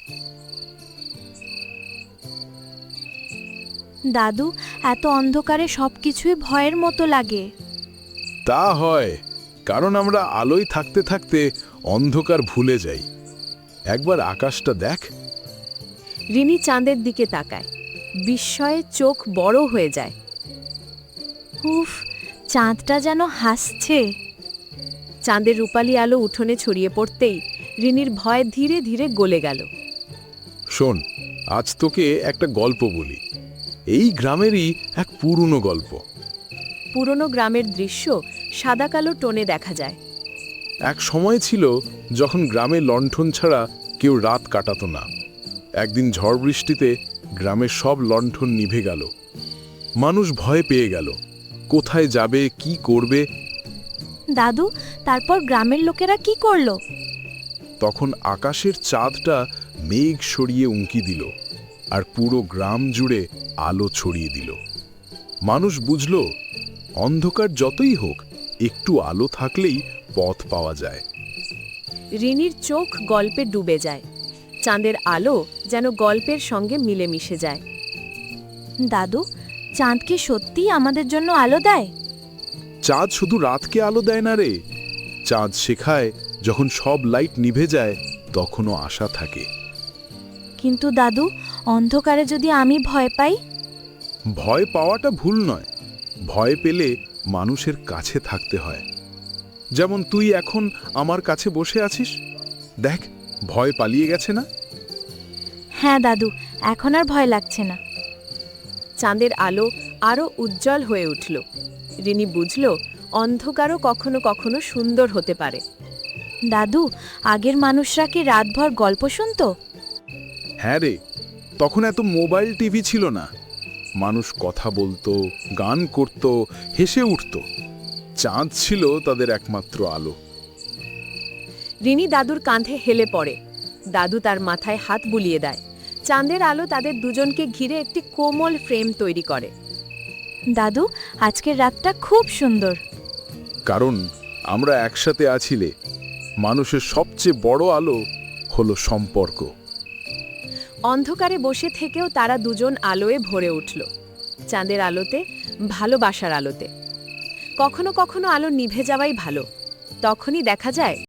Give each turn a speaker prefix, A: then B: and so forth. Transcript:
A: দাদু, এত অন্ধকারে সবকিছুই ভয়ের মতো লাগে।
B: তা হয়, কারণ আমরা আলোয় থাকতে থাকতে অন্ধকার ভুলে যাই। একবার আকাশটা দেখ।
C: রিনি চাঁদের দিকে তাকায়, বিস্ময়ে চোখ বড় হয়ে যায়।
A: উফ, চাঁদটা যেন হাসছে।
C: চাঁদের রূপালী আলো উঠোনে ছড়িয়ে পড়তেই রিনির ভয় ধীরে ধীরে গলে গেল।
B: শোন, আজ তোকে একটা গল্প বলি। এই গ্রামেরই এক পুরনো গল্প।
C: পুরনো গ্রামের দৃশ্য সাদা কালো টোনে দেখা যায়।
B: এক সময় ছিল যখন গ্রামে লণ্ঠন ছাড়া কেউ রাত কাটাতো না। একদিন ঝড় বৃষ্টিতে গ্রামের সব লণ্ঠন নিভে গেল। মানুষ ভয় পেয়ে গেল, কোথায় যাবে, কি করবে।
A: দাদু, তারপর গ্রামের লোকেরা কি করলো?
B: তখন আকাশের চাঁদটা মেঘ সরিয়ে উঁকি দিল, আর পুরো গ্রাম জুড়ে আলো ছড়িয়ে দিল। মানুষ বুঝল, অন্ধকার যতই হোক, একটু আলো থাকলেই পথ পাওয়া যায়।
C: রিনির চোখ গল্পে ডুবে যায়। চাঁদের আলো যেন গল্পের সঙ্গে মিলেমিশে যায়।
A: দাদু, চাঁদ কি সত্যিই আমাদের জন্য আলো দেয়?
B: চাঁদ শুধু রাতকে আলো দেয় না রে, চাঁদ শেখায় যখন সব লাইট নিভে যায় তখনও আশা থাকে।
A: কিন্তু দাদু, অন্ধকারে যদি আমি ভয় পাই?
B: ভয় পাওয়াটা ভুল নয়, ভয় পেলে মানুষের কাছে থাকতে হয়। যেমন তুই এখন আমার কাছে বসে আছিস, দেখ ভয় পালিয়ে গেছে না?
A: হ্যাঁ দাদু, এখন আর ভয় লাগছে না।
C: চাঁদের আলো আরও উজ্জ্বল হয়ে উঠল। রিনি বুঝল, অন্ধকারও কখনো কখনো সুন্দর হতে পারে।
A: দাদু, আগের মানুষরা কি রাতভর গল্প শুনতো?
B: হ্যাঁ রে, তখন এত মোবাইল টিভি ছিল না। মানুষ কথা বলতো, গান করত, হেসে উঠত। চাঁদ ছিল তাদের একমাত্র আলো।
C: রিনি দাদুর কাঁধে হেলে পড়ে। দাদু তার মাথায় হাত বুলিয়ে দেয়। চাঁদের আলো তাদের দুজনকে ঘিরে একটি কোমল ফ্রেম তৈরি করে।
A: দাদু, আজকের রাতটা খুব সুন্দর।
B: কারণ আমরা একসাথে আছিলে। মানুষের সবচেয়ে বড় আলো হলো সম্পর্ক।
C: অন্ধকারে বসে থেকেও তারা দুজন আলোয় ভরে উঠল। চাঁদের আলোতে, ভালোবাসার আলোতে। কখনো কখনো আলো নিভে যাওয়াই ভালো, তখনই দেখা যায়